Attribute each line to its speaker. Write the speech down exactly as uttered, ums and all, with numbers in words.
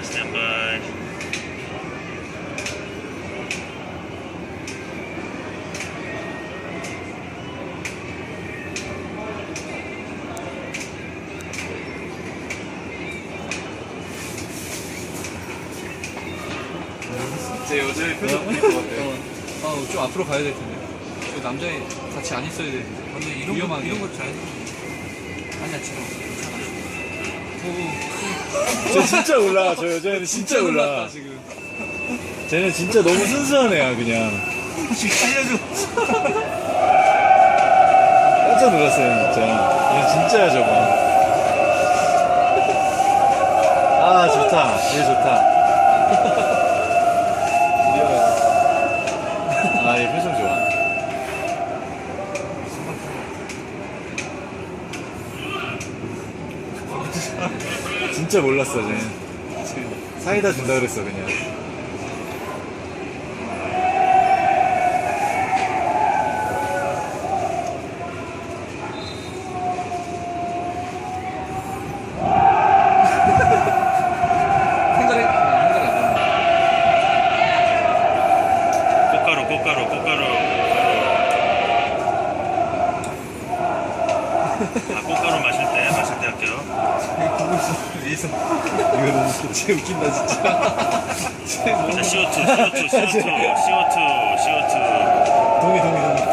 Speaker 1: 스탠바이.
Speaker 2: 제 여자의 표정 보일 것 같아요.
Speaker 3: 어, 어, 좀 앞으로 가야 될 텐데. 저 남자애 같이 안 있어야 되는데.
Speaker 2: 근데 이런
Speaker 3: 위험하게.
Speaker 2: 거, 이런 거 잘. 아니야, 지금 괜찮아.
Speaker 4: 저 진짜 몰라. 저 여자애는 진짜 몰라.
Speaker 3: 놀랐다, 지금.
Speaker 4: 쟤는 진짜 너무 순수한 애야 그냥.
Speaker 2: 지금 살려줘.
Speaker 4: 깜짝 놀랐어요 진짜. 얘 진짜야 저거. 아 좋다. 얘 좋다. 아, 얘 표정 좋아. 진짜 몰랐어, 쟤. 사이다 준다 그랬어, 그냥.
Speaker 3: 생각해, 생각해 안 되네.
Speaker 1: 꽃가루, 꽃가루, 꽃가루. 아, 꽃가루 마실 때, 마실 때 할게요.
Speaker 2: 위에서.
Speaker 4: 이거 너무 쟤 웃긴다, 진짜. 쟤 너무.
Speaker 1: 자, 씨오투, 씨오투, 씨오투, 씨오투, 씨오투.
Speaker 4: 동의, 동의, 동의.